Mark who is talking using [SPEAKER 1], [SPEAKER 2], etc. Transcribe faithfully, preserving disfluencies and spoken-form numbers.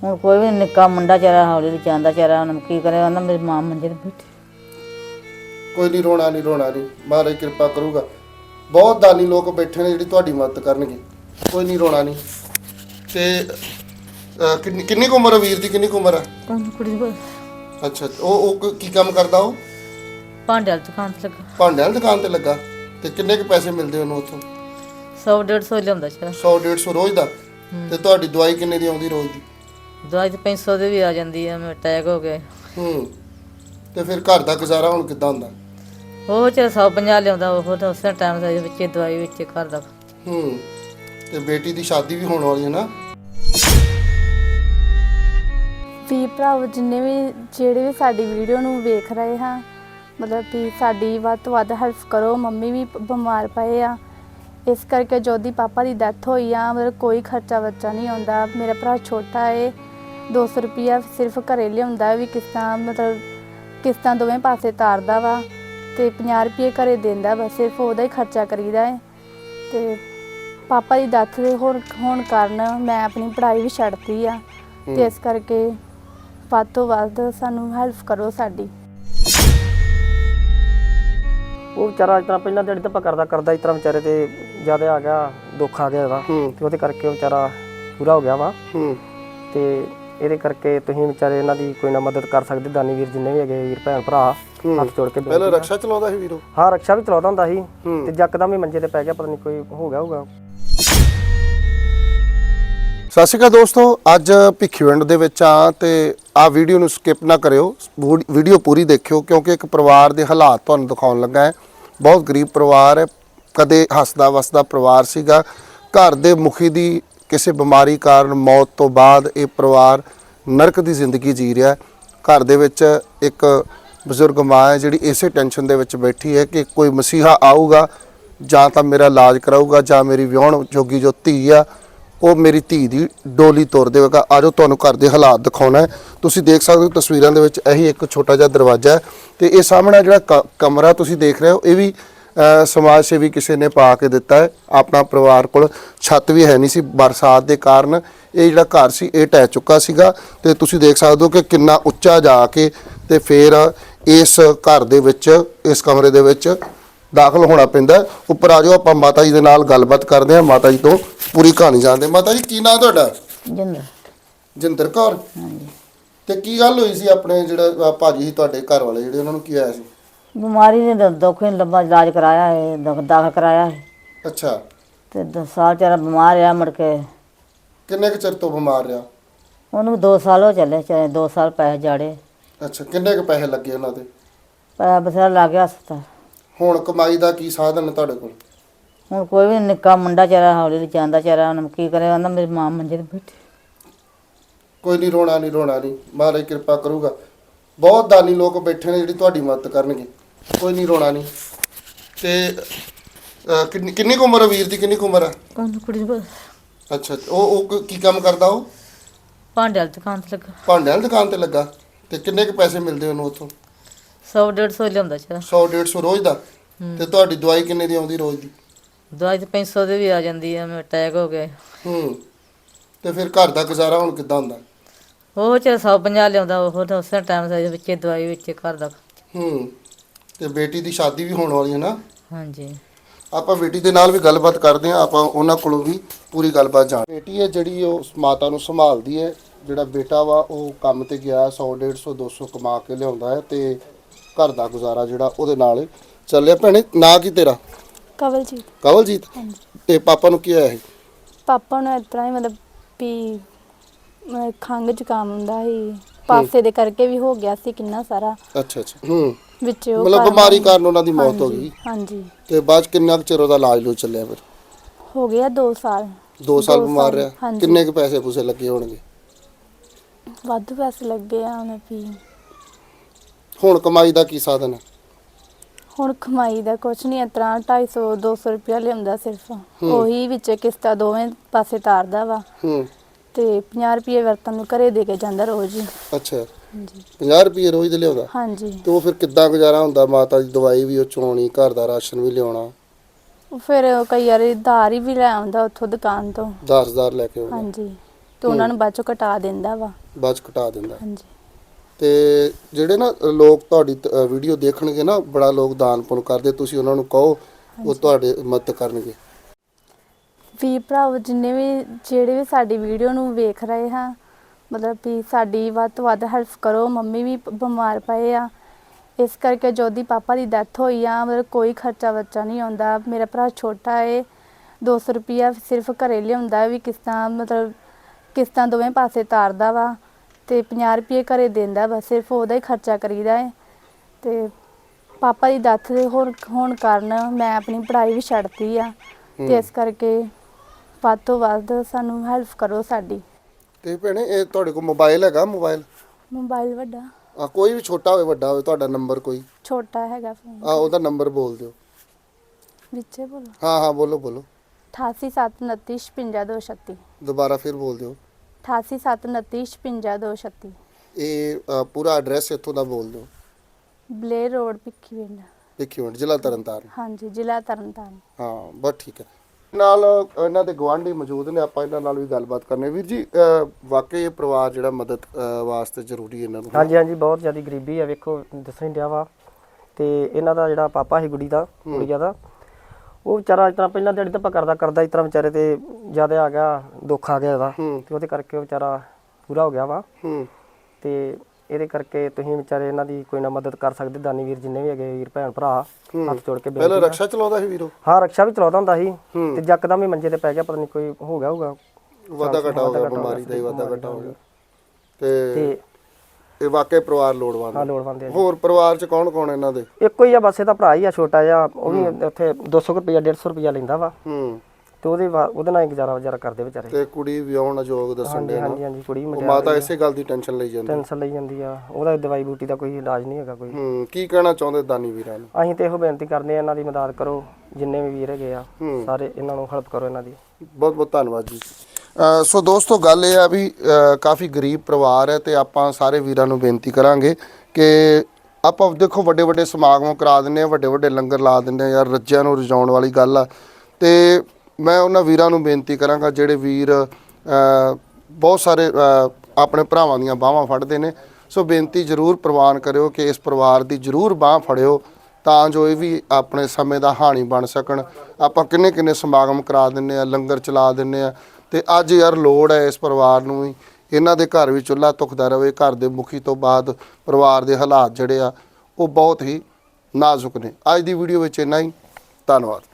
[SPEAKER 1] ਹੁਣ ਕੋਈ ਵੀ ਨਿੱਕਾ ਮੁੰਡਾ ਚਾਰਾ ਹੌਲੀ ਹੌਲੀ ਜਾਂਦਾ ਚਾਰਾ ਹੁਣ ਕੀ ਕਰੇ ਉਹਨਾਂ ਮੇਰੀ ਮਾਂ ਮੰਜੇ ਤੇ ਬੈਠੀ।
[SPEAKER 2] ਕੋਈ ਨਹੀਂ ਰੋਣਾ ਨਹੀਂ ਰੋਣਾ ਨਹੀਂ ਮਹਾਰਾਜ ਕਿਰਪਾ ਕਰੂਗਾ। ਬਹੁਤ ਦਾਨੀ ਲੋਕ ਬੈਠੇ ਨੇ ਜਿਹੜੀ ਤੁਹਾਡੀ ਮਦਦ ਕਰਨਗੇ। ਕੋਈ ਨਹੀਂ ਰੋਣਾ ਨਹੀਂ। ਤੇ ਅਹ, ਕਿੰਨੀ ਕਿੰਨੀ ਕੁ ਉਮਰ ਆ ਵੀਰ ਦੀ? ਕਿੰਨੀ ਕੁ ਉਮਰ ਆ?
[SPEAKER 1] ਕੰਨ ਕੁੜੀ ਕੋਲ
[SPEAKER 2] ਅੱਛਾ ਉਹ ਉਹ ਕ- ਕੀ ਕੰਮ ਕਰਦਾ? ਉਹ
[SPEAKER 1] ਭਾਂਡੇ ਵਾਲੀ ਦੁਕਾਨ ਤੇ ਲੱਗਾ।
[SPEAKER 2] ਭਾਂਡਿਆਂ ਦੀ ਦੁਕਾਨ ਤੇ ਲੱਗਾ। ਤੇ ਕਿੰਨੇ ਕੁ ਪੈਸੇ ਮਿਲਦੇ ਉਹਨੂੰ ਉੱਥੋਂ?
[SPEAKER 1] ਸੌ ਡੇਢ ਸੌ ਲਿਆਉਂਦਾ ਚਾਰਾ।
[SPEAKER 2] ਸੌ ਡੇਢ ਸੌ ਰੋਜ਼ ਦਾ? ਤੇ ਤੁਹਾਡੀ ਦਵਾਈ ਕਿੰਨੇ ਦੀ ਆਉਂਦੀ ਰੋਜ਼ ਦੀ?
[SPEAKER 1] ਦਵਾਈ ਤੇ ਪੰਜ ਸੌ ਦੇ ਵੀ ਆ ਜਾਂਦੀ ਆ। ਮੈਂ ਅਟੈਕ ਹੋ ਗਿਆ।
[SPEAKER 2] ਹੂੰ। ਤੇ ਫਿਰ ਘਰ ਦਾ ਗੁਜ਼ਾਰਾ ਹੁਣ ਕਿੱਦਾਂ ਹੁੰਦਾ?
[SPEAKER 1] ਉਹ ਚਾਰਾ ਸੌ ਪੰਜਾਹ ਲਿਆਉਂਦਾ। ਉਹ ਤਾਂ ਉਸੇ ਟਾਈਮ ਦੇ ਵਿੱਚ ਦਵਾਈ ਵਿੱਚ ਘਰ ਦਾ।
[SPEAKER 2] ਹੂੰ। ਤੇ ਬੇਟੀ ਦੀ ਸ਼ਾਦੀ ਵੀ ਹੋਣ ਵਾਲੀ ਹੈ ਨਾ?
[SPEAKER 3] ਵੀ ਭਰਾਵੋ ਜਿੰਨੇ ਵੀ ਜਿਹੜੇ ਵੀ ਸਾਡੀ ਵੀਡੀਓ ਨੂੰ ਵੇਖ ਰਹੇ ਹਾਂ, ਮਤਲਬ ਵੀ ਸਾਡੀ ਵੱਧ ਤੋਂ ਵੱਧ ਹੈਲਪ ਕਰੋ। ਮੰਮੀ ਵੀ ਬ- ਬਿਮਾਰ ਪਏ ਆ, ਇਸ ਕਰਕੇ ਜੋਦੀ ਪਾਪਾ ਦੀ ਡੈਥ ਹੋਈ ਆ। ਮਤਲਬ ਕੋਈ ਖਰਚਾ ਵਰਚਾ ਨਹੀਂ ਆਉਂਦਾ। ਮੇਰਾ ਭਰਾ ਛੋਟਾ ਏ, ਦੋ ਸੌ ਰੁਪਈਆ ਸਿਰਫ ਘਰੇ ਲਿਆਉਂਦਾ ਵੀ ਕਿਸ਼ਤਾਂ, ਮਤਲਬ ਕਿਸ਼ਤਾਂ ਦੋਵੇਂ ਪਾਸੇ ਤਾਰਦਾ ਵਾ ਤੇ ਪੰਜਾਹ ਰੁਪਏ ਘਰੇ ਦਿੰਦਾ ਵਾ। ਸਿਰਫ ਉਹਦਾ ਹੀ ਖਰਚਾ ਕਰੀਦਾ ਹੈ। ਤੇ ਪਾਪਾ ਦੀ ਡੈਥ ਦੇ ਹੋਣ ਹੋਣ ਕਾਰਨ ਮੈਂ ਆਪਣੀ ਪੜ੍ਹਾਈ ਵੀ ਛੱਡਤੀ ਆ ਤੇ ਇਸ ਕਰਕੇ ਵੱਧ ਤੋਂ ਵੱਧ ਸਾਨੂੰ ਹੈਲਪ ਕਰੋ ਸਾਡੀ।
[SPEAKER 4] ਉਹ ਵਿਚਾਰਾ ਇਸ ਤਰ੍ਹਾਂ ਪਹਿਲਾਂ ਦਿਹਾੜੀ ਧੱਪਾ ਕਰਦਾ ਕਰਦਾ ਇਸ ਤਰ੍ਹਾਂ ਵਿਚਾਰੇ ਤੇ ਜ਼ਿਆਦਾ ਆ ਗਿਆ, ਦੁੱਖ ਆ ਗਿਆ ਇਹਦਾ ਤੇ ਉਹਦੇ ਕਰਕੇ ਉਹ ਵਿਚਾਰਾ ਪੂਰਾ ਹੋ ਗਿਆ ਵਾ। ਤੇ ਇਹਦੇ ਕਰਕੇ ਤੁਸੀਂ ਵਿਚਾਰੇ ਇਹਨਾਂ ਦੀ ਕੋਈ ਨਾ ਮਦਦ ਕਰ ਸਕਦੇ, ਦਾਨੀ ਵੀਰ ਜਿੰਨੇ ਵੀ ਹੈਗੇ ਵੀਰ ਭੈਣ ਭਰਾ, ਹੱਥ ਜੋੜ ਕੇ।
[SPEAKER 2] ਪਹਿਲਾਂ ਰਕਸ਼ਾ ਚਲਾਉਂਦਾ ਸੀ ਵੀਰੋ?
[SPEAKER 4] ਹਾਂ ਰਕਸ਼ਾ ਵੀ ਚਲਾਉਂਦਾ ਹੁੰਦਾ ਸੀ ਤੇ ਯਕਦਮ ਹੀ ਮੰਜੇ ਤੇ ਪੈ ਗਿਆ, ਪਤਾ ਨਹੀਂ ਕੋਈ ਹੋ ਗਿਆ ਹੋਊਗਾ।
[SPEAKER 2] ਸਤਿ ਸ਼੍ਰੀ ਅਕਾਲ ਦੋਸਤੋ, ਅੱਜ ਭਿੱਖੀਵਿੰਡ ਦੇ ਵਿੱਚ ਆ ਤੇ ਆ ਵੀਡੀਓ ਨੂੰ ਸਕਿਪ ਨਾ ਕਰਿਓ, ਵੀਡੀਓ ਪੂਰੀ ਦੇਖਿਓ ਕਿਉਂਕਿ ਇੱਕ ਪਰਿਵਾਰ ਦੇ ਹਾਲਾਤ ਤੁਹਾਨੂੰ ਦਿਖਾਉਣ ਲੱਗਾ ਹੈ। ਬਹੁਤ ਗਰੀਬ ਪਰਿਵਾਰ ਹੈ, ਕਦੇ ਹੱਸਦਾ ਵਸਦਾ ਪਰਿਵਾਰ ਸੀਗਾ। ਘਰ ਦੇ ਮੁਖੀ ਦੀ ਕਿਸੇ ਬਿਮਾਰੀ ਕਾਰਨ ਮੌਤ ਤੋਂ ਬਾਅਦ ਇਹ ਪਰਿਵਾਰ ਨਰਕ ਦੀ ਜ਼ਿੰਦਗੀ ਜੀ ਰਿਹਾ। ਘਰ ਦੇ ਵਿੱਚ ਇੱਕ ਬਜ਼ੁਰਗ ਮਾਂ ਹੈ ਜਿਹੜੀ ਇਸੇ ਟੈਨਸ਼ਨ ਦੇ ਵਿੱਚ ਬੈਠੀ ਹੈ ਕਿ ਕੋਈ ਮਸੀਹਾ ਆਊਗਾ ਜਾਂ ਤਾਂ ਮੇਰਾ ਇਲਾਜ ਕਰਾਊਗਾ ਜਾਂ ਮੇਰੀ ਵਿਆਹੁਣ ਜੋਗੀ ਜੋ ਧੀ ਆ ਉਹ ਮੇਰੀ ਧੀ ਦੀ ਡੋਲੀ ਤੋਰ ਦੇਵੇਗਾ। ਆਜੋ ਤੁਹਾਨੂੰ ਘਰ ਦੇ ਹਾਲਾਤ ਦਿਖਾਉਣਾ ਹੈ। ਤੁਸੀਂ ਦੇਖ ਸਕਦੇ ਹੋ ਤਸਵੀਰਾਂ ਦੇ ਵਿੱਚ ਇਹੀ ਇੱਕ ਛੋਟਾ ਜਿਹਾ ਦਰਵਾਜ਼ਾ ਹੈ ਤੇ ਇਹ ਸਾਹਮਣੇ ਜਿਹੜਾ ਕ ਕਮਰਾ ਤੁਸੀਂ ਦੇਖ ਰਹੇ ਹੋ ਇਹ ਵੀ ਸਮਾਜ ਸੇਵੀ ਕਿਸੇ ਨੇ ਪਾ ਕੇ ਦਿੱਤਾ ਹੈ। ਆਪਣਾ ਪਰਿਵਾਰ ਕੋਲ ਛੱਤ ਵੀ ਹੈ ਨਹੀਂ ਸੀ, ਬਰਸਾਤ ਦੇ ਕਾਰਨ ਇਹ ਜਿਹੜਾ ਘਰ ਸੀ ਇਹ ਢਹਿ ਚੁੱਕਾ ਸੀਗਾ ਤੇ ਤੁਸੀਂ ਦੇਖ ਸਕਦੇ ਹੋ ਕਿ ਕਿੰਨਾ ਉੱਚਾ ਜਾ ਕੇ ਤੇ ਫਿਰ ਇਸ ਘਰ ਦੇ ਵਿੱਚ, ਇਸ ਕਮਰੇ ਦੇ ਵਿੱਚ ਦਾਖਲ ਹੋਣਾ ਪੈਂਦਾ। ਉੱਪਰ ਆ ਜਾਓ, ਆਪਾਂ ਮਾਤਾ ਜੀ ਦੇ ਨਾਲ ਗੱਲਬਾਤ ਕਰਦੇ ਹਾਂ, ਮਾਤਾ ਜੀ ਤੋਂ ਪੂਰੀ ਕਹਾਣੀ ਜਾਣਦੇ। ਮਾਤਾ ਜੀ ਕੀ ਨਾਂ ਤੁਹਾਡਾ?
[SPEAKER 1] ਜਿੰਦਰ।
[SPEAKER 2] ਜਿੰਦਰ ਕੌਰ।
[SPEAKER 1] ਹਾਂਜੀ।
[SPEAKER 2] ਤੇ ਕੀ ਗੱਲ ਹੋਈ ਸੀ ਆਪਣੇ ਜਿਹੜਾ ਭਾਜੀ ਸੀ ਤੁਹਾਡੇ ਘਰ ਵਾਲੇ ਜਿਹੜੇ, ਉਹਨਾਂ ਨੂੰ ਕੀ ਹੋਇਆ ਸੀ?
[SPEAKER 1] ਬਿਮਾਰੀ ਨੇ ਦੁੱਖ ਨੇ ਲੰਬਾ ਇਲਾਜ ਕਰਾਇਆ ਹੈ, ਦੁੱਖ ਦਾਖਲ ਕਰਾਇਆ ਹੈ
[SPEAKER 2] ਅੱਛਾ।
[SPEAKER 1] ਤੇ ਦਸ ਸਾਲ ਚਾਰਾ ਬਿਮਾਰ ਰਿਹਾ। ਮੁੜ ਕੇ
[SPEAKER 2] ਕਿੰਨੇ ਕੁ ਚਿਰ ਤੋਂ ਬਿਮਾਰ ਰਿਹਾ?
[SPEAKER 1] ਉਹਨੂੰ ਦੋ ਸਾਲ ਹੋ ਚੱਲੇ, ਚਾਹੇ ਦੋ ਸਾਲ ਪੈਸੇ ਜਾੜੇ।
[SPEAKER 2] ਅੱਛਾ, ਕਿੰਨੇ ਕੁ ਪੈਸੇ ਲੱਗੇ ਉਹਨਾਂ ਦੇ?
[SPEAKER 1] ਪੈਸਾ ਬਥੇਰਾ ਲੱਗ ਗਿਆ ਹਸਪਤਾਲ।
[SPEAKER 2] ਹੁਣ ਕਮਾਈ ਦਾ ਕੀ ਸਾਧਨ ਹੈ ਤੁਹਾਡੇ ਕੋਲ?
[SPEAKER 1] ਹੁਣ ਕੋਈ ਵੀ ਨਿੱਕਾ ਮੁੰਡਾ ਚਾਰਾ ਹੌਲੀ ਹੌਲੀ ਜਾਂਦਾ ਚਾਰਾ ਹੁਣ ਕੀ ਕਰੇ ਉਹਨਾਂ ਮੇਰੀ ਮਾਂ ਮੰਜੇ ਤੇ ਬੈਠੀ।
[SPEAKER 2] ਕੋਈ ਨਹੀਂ ਰੋਣਾ ਨਹੀਂ ਰੋਣਾ ਨਹੀਂ ਮਹਾਰਾਜ ਕਿਰਪਾ ਕਰੂਗਾ। ਬਹੁਤ ਦਾਨੀ ਲੋਕ ਬੈਠੇ ਨੇ ਜਿਹੜੀ ਤੁਹਾਡੀ ਮਦਦ ਕਰਨਗੇ। ਕੋਈ ਨਹੀਂ ਰੋਣਾ ਨਹੀਂ। ਤੇ ਅਹ, ਕਿੰਨੀ ਕਿੰਨੀ ਕੁ ਉਮਰ ਆ ਵੀਰ ਦੀ? ਕਿੰਨੀ ਕੁ ਉਮਰ ਆ?
[SPEAKER 1] ਕੰਨ ਕੁੜੀ ਕੋਲ
[SPEAKER 2] ਅੱਛਾ ਉਹ ਉਹ ਕ- ਕੀ ਕੰਮ ਕਰਦਾ? ਉਹ
[SPEAKER 1] ਭਾਂਡੇ ਵਾਲੀ ਦੁਕਾਨ ਤੇ ਲੱਗਾ।
[SPEAKER 2] ਭਾਂਡਿਆਂ ਦੀ ਦੁਕਾਨ ਤੇ ਲੱਗਾ। ਤੇ ਕਿੰਨੇ ਕੁ ਪੈਸੇ ਮਿਲਦੇ ਉਹਨੂੰ ਉੱਥੋਂ?
[SPEAKER 1] ਸੌ ਡੇਢ ਸੌ ਲਿਆਉਂਦਾ ਚਾਰਾ।
[SPEAKER 2] ਸੌ ਡੇਢ ਸੌ ਰੋਜ਼ ਦਾ? ਤੇ ਤੁਹਾਡੀ ਦਵਾਈ ਕਿੰਨੇ ਦੀ ਆਉਂਦੀ ਰੋਜ਼ ਦੀ?
[SPEAKER 1] ਦਵਾਈ ਤੇ ਪੰਜ ਸੌ ਦੇ ਵੀ ਆ ਜਾਂਦੀ ਆ। ਮੈਂ ਅਟੈਕ ਹੋ ਗਿਆ।
[SPEAKER 2] ਹੂੰ। ਤੇ ਫਿਰ ਘਰ ਦਾ ਗੁਜ਼ਾਰਾ ਹੁਣ ਕਿੱਦਾਂ ਹੁੰਦਾ?
[SPEAKER 1] ਉਹ ਚਾਰਾ ਸੌ ਪੰਜਾਹ ਲਿਆਉਂਦਾ। ਉਹ ਤਾਂ ਉਸੇ ਟਾਈਮ ਦੇ ਵਿੱਚ ਦਵਾਈ ਵਿੱਚ ਘਰ ਦਾ।
[SPEAKER 2] ਹੂੰ। ਤੇ ਬੇਟੀ ਦੀ ਸ਼ਾਦੀ ਵੀ ਹੋਣ ਵਾਲੀ ਹੈ ਨਾ?
[SPEAKER 1] ਹਾਂਜੀ।
[SPEAKER 2] ਆਪਾਂ ਬੇਟੀ ਦੇ ਨਾਲ ਵੀ ਗੱਲਬਾਤ ਕਰਦੇ ਹਾਂ, ਆਪਾਂ ਉਹਨਾਂ ਕੋਲੋਂ ਵੀ ਪੂਰੀ ਗੱਲਬਾਤ ਜਾਣ। ਬੇਟੀ ਹੈ ਜਿਹੜੀ ਉਹ ਮਾਤਾ ਨੂੰ ਸੰਭਾਲਦੀ ਹੈ, ਜਿਹੜਾ ਬੇਟਾ ਵਾ ਉਹ ਕੰਮ ਤੇ ਗਿਆ, ਸੌ ਡੇਢ ਸੌ ਦੋ ਸੌ ਕਮਾ ਕੇ ਲਿਆਉਂਦਾ ਹੈ ਤੇ ਘਰ ਦਾ ਗੁਜ਼ਾਰਾ ਜਿਹੜਾ ਉਹਦੇ ਨਾਲ ਚੱਲਿਆ। ਭੈਣੇ ਨਾਂ ਕੀ ਤੇਰਾ?
[SPEAKER 3] ਕਵਲਜੀਤ।
[SPEAKER 2] ਕਵਲਜੀਤ।
[SPEAKER 3] ਹਾਂਜੀ।
[SPEAKER 2] ਤੇ ਪਾਪਾ ਨੂੰ ਕੀ ਹੋਇਆ ਸੀ?
[SPEAKER 3] ਪਾਪਾ ਨੂੰ ਇਸ ਤਰ੍ਹਾਂ ਹੀ ਮਤਲਬ ਵੀ ਅਹ ਖੰਘ ਜ਼ੁਕਾਮ ਹੁੰਦਾ ਸੀ, ਪਾਸੇ ਦੇ ਕਰਕੇ ਵੀ ਹੋ ਗਿਆ ਸੀ ਕਿੰਨਾ ਸਾਰਾ
[SPEAKER 2] ਅੱਛਾ ਅੱਛਾ। ਹੂੰ।
[SPEAKER 3] ਵਿੱਚ ਉਹ
[SPEAKER 2] ਮਤਲਬ
[SPEAKER 3] ਕਾਰਨ-
[SPEAKER 2] ਬਿਮਾਰੀ ਕਾਰਨ ਉਹਨਾਂ ਦੀ ਮੌਤ ਹੋ
[SPEAKER 3] ਹਾਂਜੀ,
[SPEAKER 2] ਗਈ।
[SPEAKER 3] ਹਾਂਜੀ।
[SPEAKER 2] ਤੇ ਬਾਅਦ 'ਚ ਕਿੰਨਾ ਕੁ ਚਿਰ ਉਹਦਾ ਇਲਾਜ ਲੋ ਚੱਲਿਆ? ਫਿਰ
[SPEAKER 3] ਹੋ ਗਿਆ ਦੋ ਸਾਲ।
[SPEAKER 2] ਦੋ ਸਾਲ
[SPEAKER 3] ਦੋ
[SPEAKER 2] ਬਿਮਾਰ
[SPEAKER 3] ਸਾਲ,
[SPEAKER 2] ਰਿਹਾ?
[SPEAKER 3] ਹਾਂਜੀ।
[SPEAKER 2] ਕਿੰਨੇ ਕੁ ਪੈਸੇ ਪੂਸੇ ਲੱਗੇ ਹੋਣਗੇ?
[SPEAKER 3] ਵਾਧੂ ਪੈਸੇ ਲੱਗੇ ਆ ਹੁਣ ਵੀ।
[SPEAKER 2] ਹੁਣ ਕਮਾਈ ਦਾ ਕੀ ਸਾਧਨ ਹੈ?
[SPEAKER 3] ਹੁਣ ਕਮਾਈ ਦਾ ਕੁਛ ਨਹੀਂ, ਇਸ ਤਰ੍ਹਾਂ ਢਾਈ ਸੌ ਦੋ ਸੌ ਰੁਪਇਆ ਲਿਆਉਂਦਾ ਸਿਰਫ। ਉਹੀ ਵਿੱਚ ਕਿਸ਼ਤਾਂ ਦੋਵੇਂ ਪਾਸੇ ਤਾਰਦਾ ਵਾ
[SPEAKER 2] ਹੂੰ।
[SPEAKER 3] ਤੇ ਪੰਜਾਹ ਰੁਪਏ ਵਰਤਨ ਨੂੰ ਘਰੇ ਦੇ ਕੇ ਜਾਂਦਾ ਰੋਜ਼ ਹੀ।
[SPEAKER 2] ਅੱਛਾ।
[SPEAKER 3] ਹਾਂਜੀ।
[SPEAKER 2] ਪੰਜਾਹ ਰੁਪਏ ਰੋਜ਼ ਦੇ ਲਿਆਉਂਦਾ?
[SPEAKER 3] ਹਾਂਜੀ।
[SPEAKER 2] ਤੇ ਉਹ ਫਿਰ ਕਿੱਦਾਂ ਗੁਜ਼ਾਰਾ ਹੁੰਦਾ? ਮਾਤਾ ਦੀ ਦਵਾਈ ਵੀ ਉਹ ਚੋਣੀ, ਘਰ ਦਾ ਰਾਸ਼ਨ ਵੀ ਲਿਆਉਣਾ,
[SPEAKER 3] ਉਹ ਫਿਰ ਕਈ ਵਾਰੀ ਉਧਾਰ ਹੀ ਵੀ ਲੈ ਆਉਂਦਾ ਉੱਥੋਂ ਦੁਕਾਨ ਤੋਂ।
[SPEAKER 2] ਦਸਦਾਰ ਲੈ ਕੇ ਆਉਣਾ।
[SPEAKER 3] ਹਾਂਜੀ। ਤੇ ਉਹਨਾਂ ਨੂੰ ਬਾਅਦ ਚੋਂ ਕਟਾ ਦਿੰਦਾ ਵਾ।
[SPEAKER 2] ਬਾਅਦ 'ਚ ਕਟਾ ਦਿੰਦਾ।
[SPEAKER 3] ਹਾਂਜੀ।
[SPEAKER 2] ਤੇ ਜਿਹੜੇ ਨਾ ਲੋਕ ਤੁਹਾਡੀ ਵੀਡੀਓ ਦੇਖਣਗੇ ਨਾ, ਬੜਾ ਲੋਕ ਦਾਨ ਪੁੰਨ ਕਰਦੇ, ਤੁਸੀਂ ਉਹਨਾਂ ਨੂੰ ਕਹੋ ਉਹ ਤੁਹਾਡੇ ਮਦਦ ਕਰਨਗੇ।
[SPEAKER 3] ਵੀਰ ਭਰਾਵੋ ਜਿੰਨੇ ਵੀ ਜਿਹੜੇ ਵੀ ਸਾਡੀ ਵੀਡੀਓ ਨੂੰ ਵੇਖ ਰਹੇ ਹਾਂ, ਮਤਲਬ ਵੀ ਸਾਡੀ ਵੱਧ ਤੋਂ ਵੱਧ ਹੈਲਪ ਕਰੋ। ਮੰਮੀ ਵੀ ਬ- ਬਿਮਾਰ ਪਏ ਆ, ਇਸ ਕਰਕੇ ਜੋਦੀ ਪਾਪਾ ਦੀ ਡੈਥ ਹੋਈ ਆ, ਮਤਲਬ ਕੋਈ ਖਰਚਾ ਬੱਚਾ ਨਹੀਂ ਆਉਂਦਾ। ਮੇਰਾ ਭਰਾ ਛੋਟਾ ਏ, ਦੋ ਸੌ ਰੁਪਈਆ ਸਿਰਫ ਘਰੇ ਲਿਆਉਂਦਾ, ਵੀ ਕਿਸ਼ਤਾਂ ਮਤਲਬ ਕਿਸ਼ਤਾਂ ਦੋਵੇਂ ਪਾਸੇ ਤਾਰਦਾ ਵਾ, ਤੇ ਪੰਜਾਹ ਰੁਪਏ ਘਰੇ ਦਿੰਦਾ ਵਾ, ਸਿਰਫ ਉਹਦਾ ਹੀ ਖਰਚਾ ਕਰੀਦਾ ਹੈ। ਤੇ ਪਾਪਾ ਦੀ ਡੈਥ ਦੇ ਹੋਣ ਹੋਣ ਕਾਰਨ ਮੈਂ ਆਪਣੀ ਪੜ੍ਹਾਈ ਵੀ ਛੱਡਤੀ ਆ, ਤੇ ਇਸ ਕਰਕੇ ਵੱਧ ਤੋਂ ਵੱਧ ਸਾਨੂੰ ਹੈਲਪ ਕਰੋ ਸਾਡੀ।
[SPEAKER 2] ਤੇ ਭੈਣੇ ਇਹ ਤੁਹਾਡੇ ਕੋਲ ਮੋਬਾਈਲ ਹੈਗਾ? ਮੋਬਾਈਲ
[SPEAKER 3] ਮੋਬਾਈਲ ਵੱਡਾ
[SPEAKER 2] ਆ, ਕੋਈ ਵੀ ਛੋਟਾ ਹੋਵੇ ਵੱਡਾ ਹੋਵੇ, ਤੁਹਾਡਾ ਨੰਬਰ ਕੋਈ
[SPEAKER 3] ਛੋਟਾ ਹੈਗਾ ਫੋਨ
[SPEAKER 2] ਆ, ਉਹਦਾ ਨੰਬਰ ਬੋਲ ਦਿਓ।
[SPEAKER 3] ਵਿੱਚੇ ਬੋਲੋ।
[SPEAKER 2] ਹਾਂ ਹਾਂ ਬੋਲੋ ਬੋਲੋ।
[SPEAKER 3] ਅਠਾਸੀ ਸੱਤ ਉਨੱਤੀ ਛਪੰਜਾ ਦੋ ਛੱਤੀ।
[SPEAKER 2] ਦੁਬਾਰਾ ਫਿਰ ਬੋਲ ਦਿਓ।
[SPEAKER 3] ਅਠਾਸੀ ਸੱਤ ਉਨੱਤੀ ਛਪੰਜਾ ਦੋ ਛੱਤੀ।
[SPEAKER 2] ਇਹ ਅ, ਪੂਰਾ ਐਡਰੈਸ ਇੱਥੋਂ ਦਾ ਬੋਲ ਦਿਓ।
[SPEAKER 3] ਬਲੇਰ ਰੋਡ ਭਿੱਖੀਵਿੰਡ।
[SPEAKER 2] ਭਿੱਖੀਵਿੰਡ, ਜ਼ਿਲ੍ਹਾ ਤਰਨਤਾਰਨ।
[SPEAKER 3] ਹਾਂਜੀ, ਜ਼ਿਲ੍ਹਾ ਤਰਨਤਾਰਨ।
[SPEAKER 2] ਹਾਂ ਬਸ ਠੀਕ ਹੈ। ਨਾਲ ਇਹਨਾਂ ਦੇ ਗੁਆਂਢੀ ਮੌਜੂਦ ਨੇ, ਆਪਾਂ ਇਹਨਾਂ ਨਾਲ ਵੀ ਗੱਲਬਾਤ ਕਰਨੀ। ਵੀਰ ਜੀ ਅ, ਵਾਕਈ ਇਹ ਪਰਿਵਾਰ ਜਿਹੜਾ ਮਦਦ ਅ, ਵਾਸਤੇ ਜ਼ਰੂਰੀ ਇਹਨਾਂ ਨੂੰ।
[SPEAKER 4] ਹਾਂਜੀ ਹਾਂਜੀ, ਬਹੁਤ ਜ਼ਿਆਦਾ ਗਰੀਬੀ ਆ, ਵੇਖੋ ਦੱਸਣ ਡਿਆ ਵਾ। ਤੇ ਇਹਨਾਂ ਦਾ ਜਿਹੜਾ ਪਾਪਾ ਸੀ ਗੁੜੀ ਦਾ ਗੁੜੀਆ ਦਾ, ਉਹ ਵਿਚਾਰਾ ਇਸ ਤਰ੍ਹਾਂ ਪਹਿਲਾਂ ਦਿਹਾੜੀ ਧੱਪਾ ਕਰਦਾ ਕਰਦਾ ਇਸ ਤਰ੍ਹਾਂ ਵਿਚਾਰੇ ਤੇ ਜ਼ਿਆਦਾ ਆ ਗਿਆ, ਦੁੱਖ ਆ ਗਿਆ ਇਹਦਾ, ਤੇ ਉਹਦੇ ਕਰਕੇ ਉਹ ਵਿਚਾਰਾ ਪੂਰਾ ਹੋ ਗਿਆ ਵਾ।
[SPEAKER 2] ਹੂੰ।
[SPEAKER 4] ਤੇ ਇਹਦੇ ਕਰਕੇ ਤੁਸੀਂ ਵਿਚਾਰੇ ਇਹਨਾਂ ਦੀ ਕੋਈ ਨਾ ਮਦਦ ਕਰ ਸਕਦੇ, ਦਾਨੀ ਵੀਰ ਜਿੰਨੇ ਵੀ ਹੈਗੇ ਵੀਰ ਭੈਣ ਭਰਾ, ਹੱਥ ਜੋੜ ਕੇ
[SPEAKER 2] ਪਹਿਲਾਂ
[SPEAKER 4] ਬੇਨਤੀ ਆ।
[SPEAKER 2] ਰਕਸ਼ਾ ਚਲਾਉਂਦਾ ਸੀ ਵੀਰੋ?
[SPEAKER 4] ਹਾਂ, ਰਕਸ਼ਾ ਵੀ ਚਲਾਉਂਦਾ ਹੁੰਦਾ ਸੀ, ਤੇ ਯਕਦਮ ਹੀ ਮੰਜੇ ਤੇ ਪੈ ਗਿਆ, ਪਤਾ ਨਹੀਂ ਕੋਈ ਹੋ ਗਿਆ ਹੋਊਗਾ,
[SPEAKER 2] ਵਾਧਾ ਘਟਾ ਹੋ ਗਿਆ, ਬਿਮਾਰੀ ਦਾ ਹੀ ਵਾਧਾ ਘਟਾ ਹੋ ਗਿਆ। ਤੇ
[SPEAKER 4] ਤੇ
[SPEAKER 2] ਇਹ ਵਾਕਈ ਪਰਿਵਾਰ ਲੋੜਵੰਦ
[SPEAKER 4] ਹਾਂ
[SPEAKER 2] ਹੈ।
[SPEAKER 4] ਲੋੜਵੰਦ ਆ ਜੀ।
[SPEAKER 2] ਹੋਰ ਪਰਿਵਾਰ ਚ ਕੌਣ ਕੌਣ ਇਹਨਾਂ ਦੇ?
[SPEAKER 4] ਇੱਕੋ ਹੀ ਆ ਬਸ, ਇਹਦਾ ਭਰਾ ਹੀ ਆ ਛੋਟਾ ਜਿਹਾ, ਉਹ ਵੀ ਉੱਥੇ ਦੋ ਸੌ ਰੁਪਇਆ ਡੇਢ ਸੌ ਰੁਪਇਆ ਲੈਂਦਾ ਵਾ,
[SPEAKER 2] ਹੂੰ।
[SPEAKER 4] ਤੇ ਉਹਦੇ ਵਾ- ਉਹਦੇ ਨਾਲ ਹੀ ਗੁਜ਼ਾਰਾ ਵਜ਼ਾਰਾ ਕਰਦੇ ਵਿਚਾਰੇ।
[SPEAKER 2] ਤੇ ਕੁੜੀ ਵਿਆਹੁਣ ਯੋਗ ਦੱਸਣ ਦੇ ਨਾ,
[SPEAKER 4] ਹਾਂਜੀ ਹਾਂਜੀ, ਕੁੜੀ
[SPEAKER 2] ਉਹ
[SPEAKER 4] ਮੁੰਡਾ
[SPEAKER 2] ਮਾਤਾ ਇਸੇ ਗੱਲ ਦੀ ਟੈਨਸ਼ਨ ਲਈ ਜਾਂਦੀ।
[SPEAKER 4] ਟੈਨਸ਼ਨ ਲਈ ਜਾਂਦੀ ਆ, ਉਹਦਾ ਦਵਾਈ ਬੂਟੀ ਦਾ ਕੋਈ ਇਲਾਜ ਨਹੀਂ ਹੈਗਾ ਕੋਈ।
[SPEAKER 2] ਹੂੰ। ਕੀ ਕਹਿਣਾ ਚਾਹੁੰਦੇ ਦਾਨੀ ਵੀਰਾਂ ਨੂੰ?
[SPEAKER 4] ਅਸੀਂ ਤੇ ਇਹੋ ਬੇਨਤੀ ਕਰਦੇ ਆ, ਇਹਨਾਂ ਦੀ ਮਦਦ ਕਰੋ, ਜਿੰਨੇ ਵੀ ਵੀਰ ਹੈਗੇ ਆ ਸਾਰੇ, ਇਹਨਾਂ ਨੂੰ ਹੈਲਪ ਕਰੋ ਇਹਨਾਂ ਦੀ।
[SPEAKER 2] ਬਹੁਤ ਬਹੁਤ ਧੰਨਵਾਦ ਜੀ। ਅ, ਸੋ ਦੋਸਤੋ ਗੱਲ ਇਹ ਆ ਵੀ ਅ, ਕਾਫੀ ਗਰੀਬ ਪਰਿਵਾਰ ਹੈ, ਤੇ ਆਪਾਂ ਸਾਰੇ ਵੀਰਾਂ ਨੂੰ ਬੇਨਤੀ ਕਰਾਂਗੇ ਕਿ ਆਪਾਂ ਦੇਖੋ ਵੱਡੇ ਵੱਡੇ ਸਮਾਗਮ ਕਰਾ ਦਿੰਦੇ ਆ, ਵੱਡੇ ਵੱਡੇ ਲੰਗਰ ਲਾ ਦਿੰਦੇ ਆ, ਯਾਰ ਰੱਜਿਆਂ ਨੂੰ ਰਜਾਉਣ ਵਾਲੀ ਗੱਲ ਆ। ਤੇ ਮੈਂ ਉਹਨਾਂ ਵੀਰਾਂ ਨੂੰ ਬੇਨਤੀ ਕਰਾਂਗਾ ਜਿਹੜੇ ਵੀਰ ਅ, ਬਹੁਤ ਸਾਰੇ ਅ, ਆਪਣੇ ਭਰਾਵਾਂ ਦੀਆਂ ਬਾਹਾਂ ਫੜਦੇ ਨੇ, ਸੋ ਬੇਨਤੀ ਜ਼ਰੂਰ ਪ੍ਰਵਾਨ ਕਰਿਓ ਕਿ ਇਸ ਪਰਿਵਾਰ ਦੀ ਜ਼ਰੂਰ ਬਾਂਹ ਫੜਿਓ, ਤਾਂ ਜੋ ਇਹ ਵੀ ਆਪਣੇ ਸਮੇਂ ਦਾ ਹਾਣੀ ਬਣ ਸਕਣ। ਆਪਾਂ ਕਿੰਨੇ ਕਿੰਨੇ ਸਮਾਗਮ ਕਰਾ ਦਿੰਦੇ ਆ, ਲੰਗਰ ਚਲਾ ਦਿੰਦੇ ਆ, ਤੇ ਅੱਜ ਯਾਰ ਲੋੜ ਹੈ ਇਸ ਪਰਿਵਾਰ ਨੂੰ ਵੀ, ਇਹਨਾਂ ਦੇ ਘਰ ਵੀ ਚੁੱਲ੍ਹਾ ਧੁਖਦਾ ਰਹੇ। ਘਰ ਦੇ ਮੁਖੀ ਤੋਂ ਬਾਅਦ ਪਰਿਵਾਰ ਦੇ ਹਾਲਾਤ ਜਿਹੜੇ ਆ ਉਹ ਬਹੁਤ ਹੀ ਨਾਜ਼ੁਕ ਨੇ। ਅੱਜ ਦੀ ਵੀਡੀਓ ਵਿੱਚ ਇੰਨਾ ਹੀ, ਧੰਨਵਾਦ।